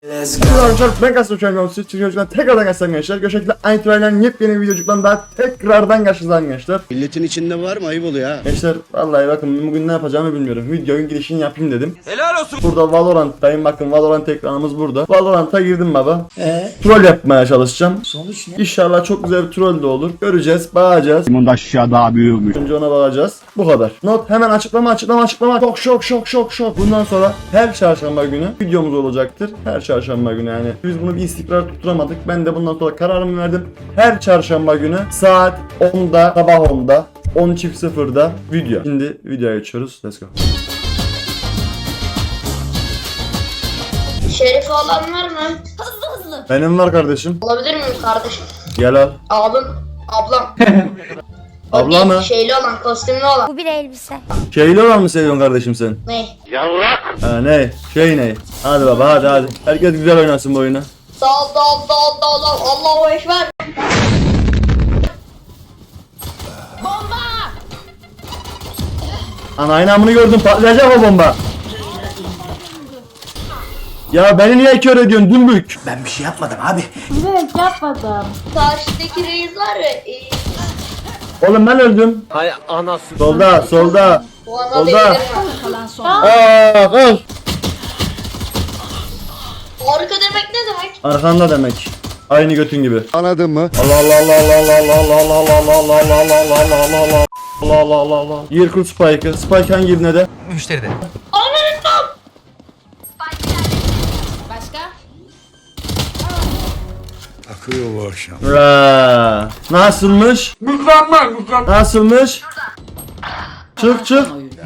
Arkadaşlar ben Kasım Çöngömsü Çocuklar tekrardan karşınızda gençler. Göçekli Aynı yepyeni bir videocuktan daha tekrardan karşınızda gençler. Milletin içinde var mı? Ayıp oluyor ha. Gençler vallahi bakın bugün ne yapacağımı bilmiyorum. Videonun girişini yapayım dedim. Helal olsun. Burada Valorant'tayım, bakın Valorant ekranımız burada. Valorant'a girdim baba. Troll yapmaya çalışacağım. Sonuç ne? İnşallah çok güzel bir troll de olur. Göreceğiz, bakacağız. Bunda aşağı daha büyükmüş. Önce ona bakacağız. Bu kadar. Not hemen açıklama. Şok. Bundan sonra her çarşamba günü videomuz olacaktır. Her çarşamba günü yani. Biz bunu bir istikrar tutturamadık. Ben de bundan sonra kararımı verdim. Her çarşamba günü saat 10'da, sabah 10'da, 10.00'da video. Şimdi videoya geçiyoruz. Let's go. Şerifi olan var mı? Benim var kardeşim. Olabilir miyim kardeşim? Gel al. Abim, ablam. O Abla değil, mı? Şeyli olan, kostümlü olan. Bu bir elbise. Şeyli olan mı seviyorsun kardeşim sen? Ne? Ha ne? Şey ne? Hadi baba hadi. Herkes güzel oynasın bu oyunu. Dal. Allahu Ekber. Ana aynamını gördüm, patlayacak o bomba. Ya beni niye kör ediyorsun dümbük? Ben bir şey yapmadım abi. Evet yapmadım. Karşıdaki reis var ya. Oğlum ben öldüm. Hay anası. Solda. Bu ana Oldu. değilim. Al. Arka demek ne demek? Arkanda demek. Aynı götün gibi. Anladın mı? Allah. Yer kurt Spike'ı. Spike hangi ibne de? Müşteride. Ananın tam. Akıyor bu akşam. Nasılmış? Mükemmel. Nasılmış? Çık.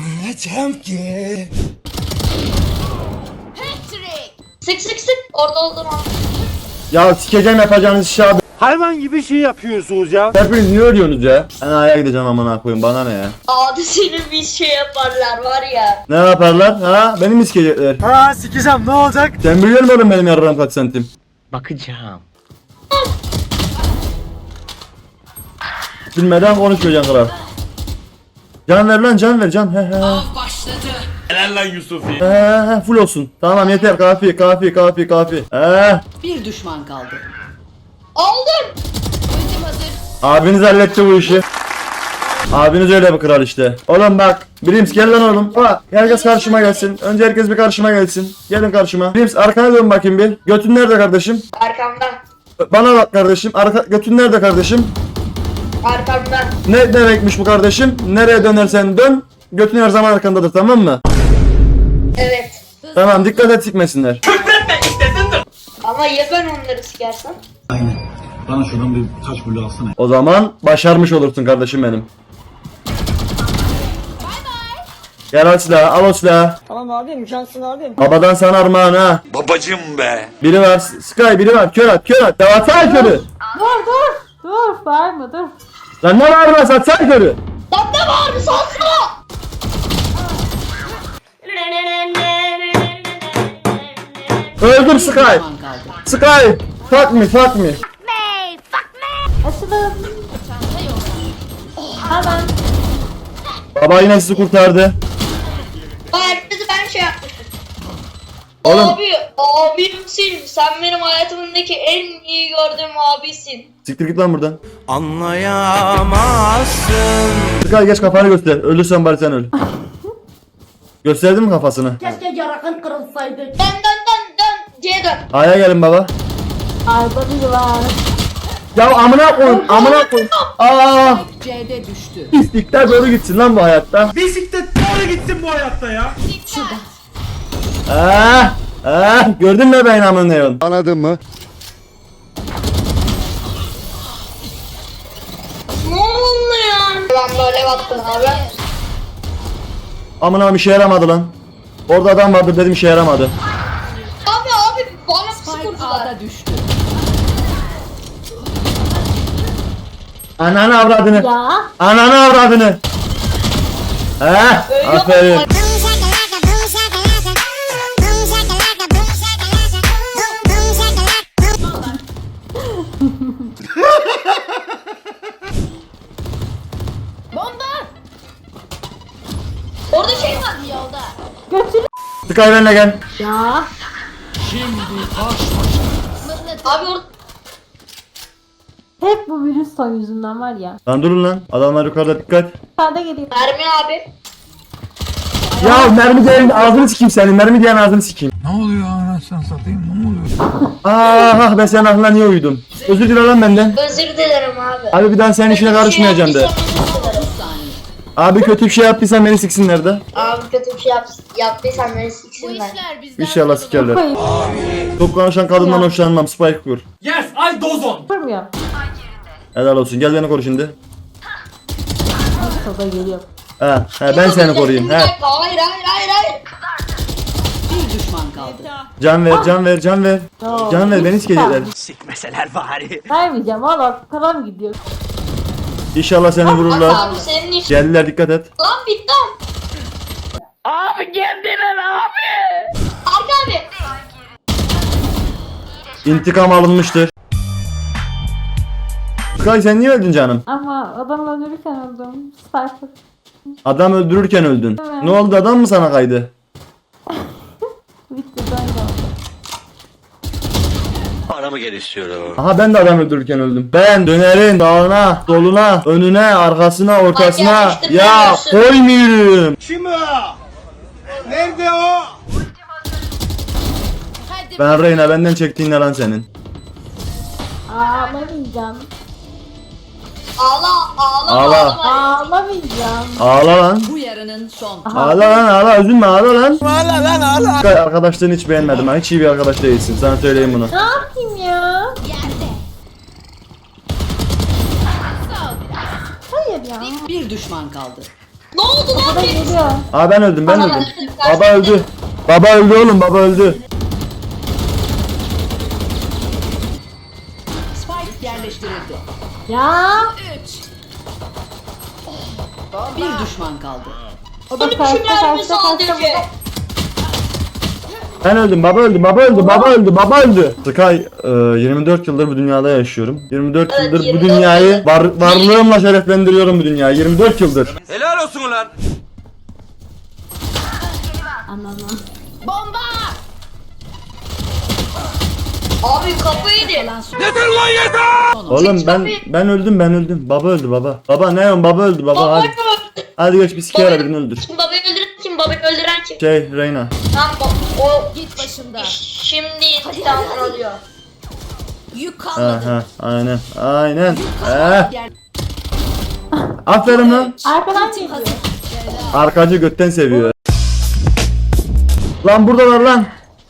Sık. Orada oldum abi. Ya sikeceğim yapacağınız işi abi. Hayvan gibi şey yapıyorsunuz ya. Hepiniz niye ölüyorsunuz ya? Ben aya gideceğim amına koyayım, bana ne ya? Adı senin bir şey yaparlar var ya. Ne yaparlar ha? Beni mi sikecekler? Ha sikeceğim ne olacak? Sen biliyor musun oğlum benim yararım kaç santim? Bakacağım. Bilmeden konuşmayacaksın kral. Can ver lan, can ver can. He. Helal lan Yusuf'i. He, full olsun. Tamam yeter, kafi. Bir düşman kaldı. Aldım. Abiniz halletti bu işi. Abiniz öyle bir kral işte. Oğlum bak, Brims gel lan oğlum. Bak, herkes karşıma gelsin. Önce herkes bir karşıma gelsin. Gelin karşıma. Brims arkana dön bakayım bir. Götün nerede kardeşim? Arkamdan. Bana bak kardeşim. Götün nerede kardeşim? Arkamdan. Ne demekmiş bu kardeşim? Nereye dönersen dön. Götün her zaman arkandadır, tamam mı? Evet. Tamam, dikkat et sikmesinler. Ama ya ben onları sikersem? Bana şuradan bir taş bulu alsana. O zaman başarmış olursun kardeşim benim. Gel al silahı, al o silahı. Tamam abim, cansın abim. Babadan sana armağan ha. Babacım be. Biri var, Sky biri var, kör at. Davatsana körü. Dur bağırma dur. Lan ne var lan, satsana körü. Lan ne var mı sansana? Öldüm Sky. Düşman kaldı. Sky. Fuck me. Açılın. Hemen. Baba yine sizi kurtardı. Herkesi ben şey yapmışım. Oğlum. Abimsin. Sen benim hayatımdaki en iyi gördüğüm abisin. Siktir git lan buradan. Anlayamazsın. Sky geç kafanı göster. Ölürsen bari sen öl. Gösterdin mi kafasını? Keşke yarakın kırılsaydı. Dön. C'ye dön. Aya gelin baba. Arda biri var. Ya amına koyun. Aa, C'de düştü. pislikler doğru gitsin lan bu hayatta. Bisiklet doğru gitsin bu hayatta ya. Gördün mü ben amına neyon? Anladın mı? Ne oldu ya? Ben böyle baktım abi. Amına bir şey yaramadı lan. Orada adam vardı dedim, işe yaramadı. Abi bana Spike sıkıntılar. A'da düştü. Ananı avradını. Ya. Ananı avradını. Aferin. Orada şey var. Götür. Sky benimle gel. Ya. Abi orada Hep bu virüs son yüzünden var ya. Lan durun lan. Adamlar yukarıda dikkat. Sağda geliyor. mermi abi. Ya mermi diyen ağzını sikeyim senin. Mermi diyen ağzını sikeyim. Ne oluyor anasını satayım ne oluyor? Ah ben senin aklına niye uydum? Özür dile lan benden. Özür dilerim abi. Abi bir daha senin işine karışmayacağım de. Yaptıysam özür dilerim. Abi kötü bir şey yaptıysan beni siksinler de. Abi kötü bir şey yaptıysam beni siksinler. İnşallah sikerler. Koyayım. Çok konuşan kadından Ya. hoşlanmam. Spike kur. Yes, I dozon. Kurmuyor. Helal olsun. Gel beni koru şimdi. Sağda geliyor. He ben seni koruyayım. Bir He. dakika, hayır. Bir düşman kaldı. Can ver, can ver, can ver. Yo, Can ver, beni sikecekler. Sikmeseler bari. Vermeyeceğim valla karam gidiyor. İnşallah seni vururlar. Abi senin iş. Geldiler, dikkat et. Lan bitti. Abi geldiler abi. Arka abi. İntikam alınmıştır. Kay sen niye öldün canım? Ama adam öldürürken öldüm. Sniper. Adam öldürürken öldün. Evet. Ne oldu, adam mı sana kaydı? Bitti ben de. Paramı gel istiyorum. Aha ben de adam öldürürken öldüm. Ben dönerin sağına, soluna, önüne, arkasına, ortasına Ay, ya yerleştirmiyorsun. koymuyorum. Kim o? Nerede o? Ben Reyna, benden çektiğin ne lan senin? Ağlamayacağım. Ağla. Ağlamayacağım. Ağla lan. Bu yarının son. Ağla lan, ağla, üzülme, ağla lan. Ağla lan, ağla. Arkadaşlarını hiç beğenmedim ha, hiç iyi bir arkadaş değilsin, sana söyleyeyim bunu. Ne yapayım ya? Hayır ya. Bir düşman kaldı. Ne oldu lan? Bu da geliyor. Aa ben öldüm, ben Aa, öldüm. öldüm. Baba öldü. Baba öldü oğlum, baba öldü. Spike yerleştirildi. Ya. Bir düşman kaldı. O da Benim karşıda şu mermi karşıda sadece. karşıda. Ben öldüm, baba öldü, baba öldü, baba öldü, baba öldü. Sky, 24 yıldır bu dünyada yaşıyorum. 24 Evet, yıldır bu 24 dünyayı yıldır. varlığımla şereflendiriyorum bu dünyayı. 24 yıldır. Helal olsun ulan. Anladım. Abi kafayı yedi. Kalan son. Yeter lan yeter. Oğlum ben öldüm, ben öldüm. Baba öldü, baba. Baba ne yapıyorsun, baba öldü, baba. Baba Hadi, hadi geç bir sikeyim, birini öldür. Kim babayı öldüren kim? Babayı öldüren kim? Reyna. Tamam o Git başımdan. şimdi intikamını alıyor. Yük Ha kalmadı. ha, aynen, aynen. Yer- Aferin lan. Arkadan geliyor. Arkacı götten seviyor. Lan buradalar lan.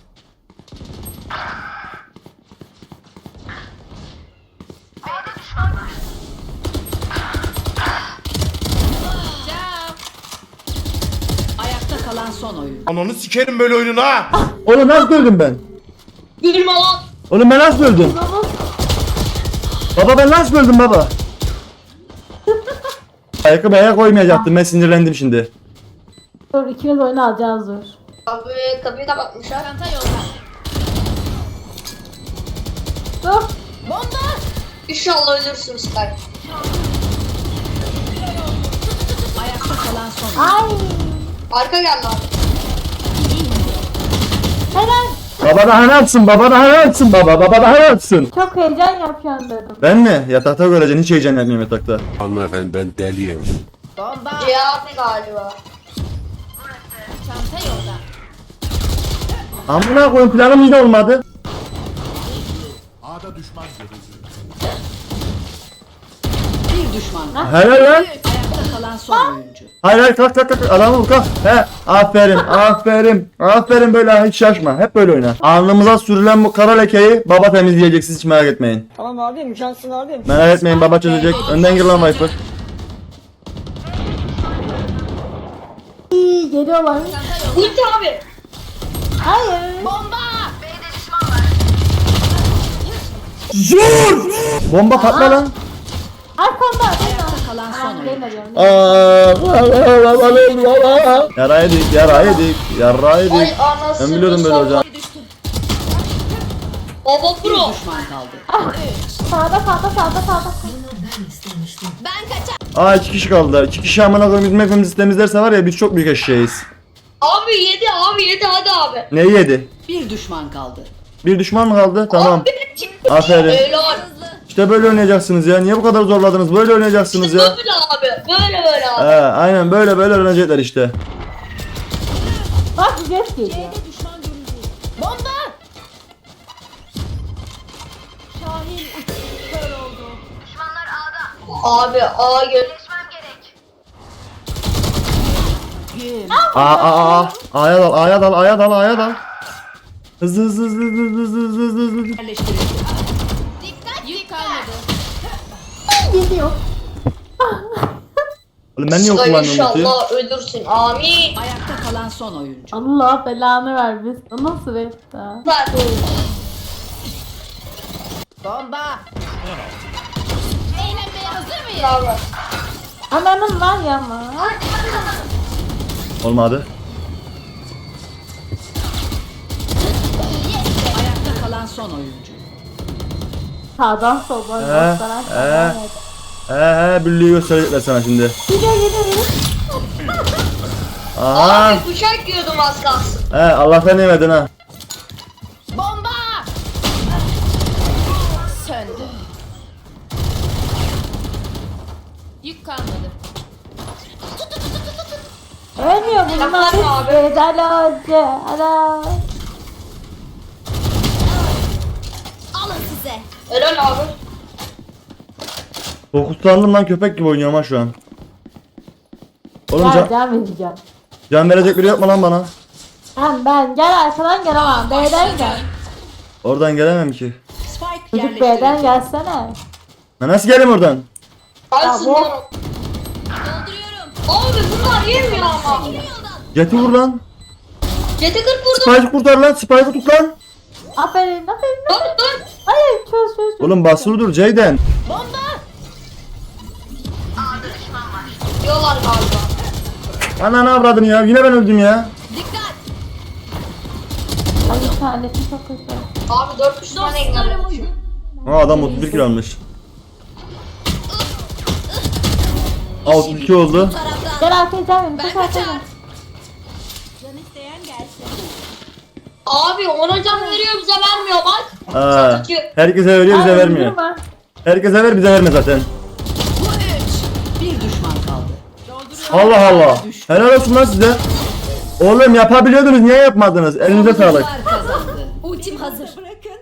Ayakta kalan son oyun. Ananı sikerim böyle oyununu ha. Oğlum nasıl öldüm ben? Gülme lan. Oğlum ben nasıl öldüm? Baba ben nasıl öldüm baba? Ayakkabıya koymayacaktım, ben sinirlendim şimdi. Dur ikimiz oyunu alacağız dur. Abi kapıyı kapatmışlar. Dur. İnşallah ölürsün Sky. Ayakta kalan son oyun. Ay. Arka geldi abi. Helal. Baba daha ne yapsın, baba daha ne yapsın, baba daha ne yapsın? Çok heyecan yapıyorsun dedim. Ben mi? Yatakta göreceksin, hiç heyecan yapmıyorum yatakta. Hanımefendi ben deliyim. Cevap galiba. Amına koyun, planım yine olmadı. Bir düşman kaldı. Helal lan. Ayakta kalan son oyuncu. Hayır hayır, kalk kalk kalk, adamı vur, kalk. He, aferin aferin. Aferin, böyle hiç şaşma, hep böyle oyna. Alnımıza sürülen bu kara lekeyi baba temizleyecek, siz hiç merak etmeyin. Tamam abim, şansın abim. Merak etmeyin, baba çözecek. Önden gir lan Viper. İyi geliyorlar. Ulti abi. Hayır. Bomba patla lan. Arkamda. Ayakta kalan son oyun. Yara yedik, yara yedik, yara Ay yedik. anasını Ben biliyordum böyle olacağını. Baba Bir pro. düşman kaldı. Sağda. Aa 2 kişi kaldılar. 2 kişi amına koyayım, bizim hepimiz temizlerse var ya, biz çok büyük eşeğiz. Abi yedi hadi abi. Neyi yedi? Bir düşman kaldı. Bir düşman mı kaldı? Tamam. Aferin. Öyle abi. İşte böyle oynayacaksınız ya. Niye bu kadar zorladınız? Böyle oynayacaksınız ya. Böyle abi. Böyle abi. Aynen böyle öğrenecekler işte. Bak geç geliyor. Bomba! Abi A gel. A'ya dal. Hızlı. Yerleştirildi. Geliyor. Oğlum ben niye Sıla kullanmıyorum ultiyi? inşallah ölürsün. Amin. Ayakta kalan son oyuncu. Allah belanı vermesin. O nasıl rekta? Ver. Bomba! Bravo. Ananın var ya ama. Olmadı. Ayakta kalan son oyuncu. Sağdan soldan gösteren. Büllüğü gösterecekler sana şimdi. Gidiyor. Aha. Abi bıçak yiyordum az kalsın. Allah'tan yemedin ha. Bomba! Söndü. Yük kalmadı. Ölmüyor bunlar. Yapma abi. Bedel önce. Ana. Alın size. Helal abi. Fokuslandım lan, köpek gibi oynuyorum ha şu an. Oğlum Can vereceğim. can verecek biri yapma lan bana. Ben gel arkadan gelemem. B'den gel. Oradan gelemem ki. Spike Çocuk B'den yerleştirildi. gelsene. Ben nasıl geleyim oradan? Kalsın bu- lan. Abi bunlar yemiyor ama. Jet'i vur lan. Jeti 40 vurdum. Spike'ı kurtar lan. Spike'ı tut lan. Aferin. Dön. Hayır çöz. Oğlum basılı dur Ceyden. Diyorlar galiba. Ananı avradını ya. Yine ben öldüm ya. Ay bir tanesi çok kötü. Abi 400 tane engelledim. Adam 31 kilo almış. 32 oldu. Gel arkaya can verin. Koş arkaya. Abi ona can veriyor bize vermiyor bak. Herkese veriyor, bize Ay, vermiyor. durma. Herkese ver, bize verme zaten. Bir düşman kaldı. Allah. Helal olsun lan size. Oğlum yapabiliyordunuz, niye yapmadınız? Elinize sağlık. Oyuncular kazandı. Ultim hazır.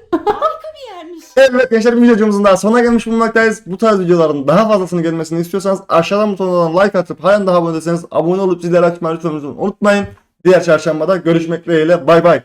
Evet gençler, bir videomuzun daha sonuna gelmiş bulunmaktayız. Bu tarz videoların daha fazlasını gelmesini istiyorsanız aşağıdan butonundan like atıp halen daha abone değilseniz abone olup zilleri açmayı lütfen unutmayın. Diğer çarşambada görüşmek dileğiyle, bay bay.